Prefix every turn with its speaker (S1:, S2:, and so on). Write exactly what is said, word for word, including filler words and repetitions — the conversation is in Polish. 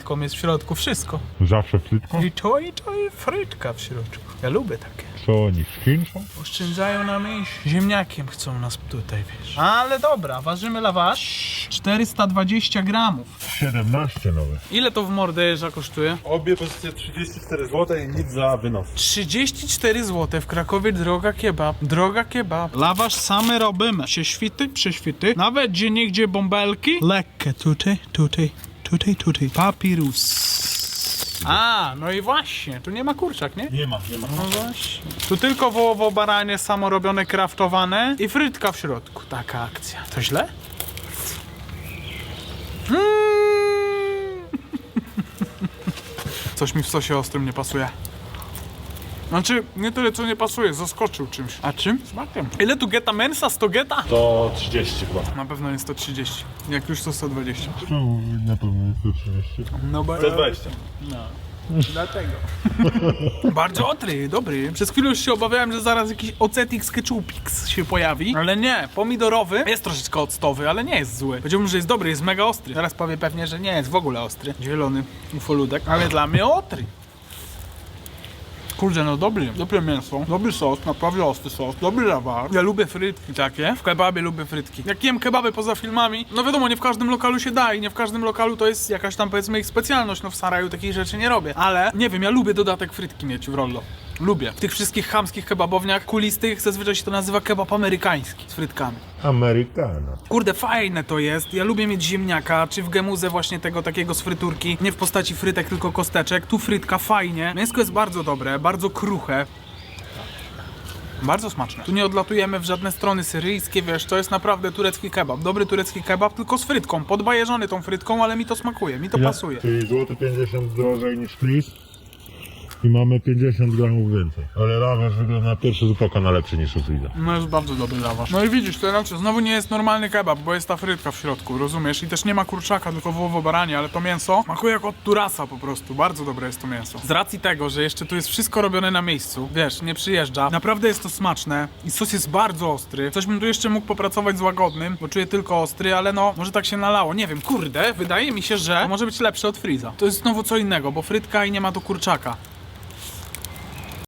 S1: frytką jest w środku wszystko.
S2: Zawsze frytką?
S1: I to, i to, i frytka w środku. Ja lubię takie.
S2: Co oni, szkincą?
S1: Oszczędzają nam iść. Ziemniakiem chcą nas tutaj, wiesz. Ale dobra, ważymy lawasz. czterysta dwadzieścia gramów.
S2: siedemnaście nowe.
S1: Ile to w morderza kosztuje?
S2: Obie pozycje trzydzieści cztery złote i nic za wynos.
S1: trzydzieści cztery złote w Krakowie, droga kebab. Droga kebab. Lawasz same robimy. Prześwity, prześwity. Nawet gdzie niegdzie bąbelki. Lekkie. Tutaj, tutaj, tutaj, tutaj. Papirus. A, no i właśnie. Tu nie ma kurczak, nie?
S2: Nie ma, nie ma.
S1: No właśnie. Tu tylko wołowo-baranie samorobione, kraftowane i frytka w środku. Taka akcja. To źle? Mm. Coś mi w sosie ostrym nie pasuje. Znaczy, nie tyle co nie pasuje, zaskoczył czymś. A czym? Smakiem. Ile tu geta mensa? sto geta?
S2: To trzydzieści chyba.
S1: Na pewno jest sto trzydzieści. Jak już to sto dwadzieścia.
S2: No, na pewno jest to trzydzieści.
S1: No bo...
S2: sto dwadzieścia.
S1: No. Dlatego. Bardzo ostry, dobry. Przez chwilę już się obawiałem, że zaraz jakiś ocetix ketchupix się pojawi. Ale nie, pomidorowy jest troszeczkę octowy, ale nie jest zły. Powiedziałbym, że jest dobry, jest mega ostry. Teraz powie pewnie, że nie jest w ogóle ostry. Zielony ufoludek, ale dla mnie ostry. Kurde, no dobry, dobre mięso, dobry sos, naprawdę ostry sos, dobry lawar. Ja lubię frytki takie, w kebabie lubię frytki. Jak jem kebaby poza filmami, no wiadomo, nie w każdym lokalu się da i nie w każdym lokalu to jest jakaś tam powiedzmy ich specjalność, no w Saraju takich rzeczy nie robię. Ale, nie wiem, ja lubię dodatek frytki mieć w rollo. Lubię. W tych wszystkich chamskich kebabowniach kulistych zazwyczaj się to nazywa kebab amerykański z frytkami.
S2: Amerykana.
S1: Kurde, fajne to jest. Ja lubię mieć ziemniaka, czy w gemuze właśnie tego takiego z fryturki. Nie w postaci frytek, tylko kosteczek. Tu frytka fajnie. Mięsko jest bardzo dobre, bardzo kruche. Bardzo smaczne. Tu nie odlatujemy w żadne strony syryjskie, wiesz, to jest naprawdę turecki kebab. Dobry turecki kebab, tylko z frytką. Podbajeżony tą frytką, ale mi to smakuje, mi to pasuje.
S2: Czyli złoty pięćdziesiąt drożej niż flis. I mamy pięćdziesiąt gramów więcej. Ale lawasz wygląda na pierwszy rzut oka na lepszy niż u Friza.
S1: No jest bardzo dobry lawasz. No i widzisz, to znaczy znowu nie jest normalny kebab, bo jest ta frytka w środku, rozumiesz? I też nie ma kurczaka, tylko wołowo-baranie, ale to mięso smakuje jak od Turasa po prostu. Bardzo dobre jest to mięso. Z racji tego, że jeszcze tu jest wszystko robione na miejscu, wiesz, nie przyjeżdża. Naprawdę jest to smaczne i sos jest bardzo ostry. Coś bym tu jeszcze mógł popracować z łagodnym, bo czuję tylko ostry, ale no, może tak się nalało. Nie wiem, kurde, wydaje mi się, że może być lepsze od Friza. To jest znowu co innego, bo frytka i nie ma tu kurczaka.